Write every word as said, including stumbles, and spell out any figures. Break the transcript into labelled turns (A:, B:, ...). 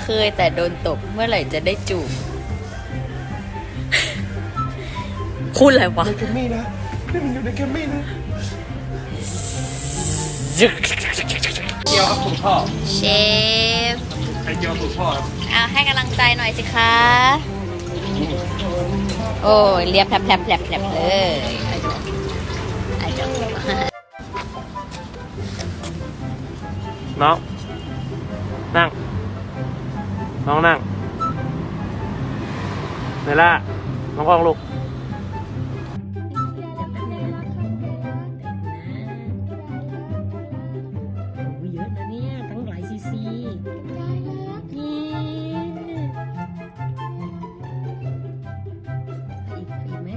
A: เคยแต่โดนตบเมื่อไหร่จะได้จูบพูดอะไรวะ
B: ในแกมมี่นะนี่มันอยู่ในแกมมี่นะเกี่ยวกับคุณพ่อ
A: เชฟ
B: ไอเกี่ยวกับคุณพ่อครับ
A: เอาให้กำลังใจหน่อยสิคะโอ้ยเรียบแผลบแผลบแผลบแผลบเลยอาจารย์
B: น้องนั่งน้องนั่งเนล่าน้องกล้องลูก
C: เยอะนะเนี่ยตั้งหลายซีซีนี่อีกอีกไหม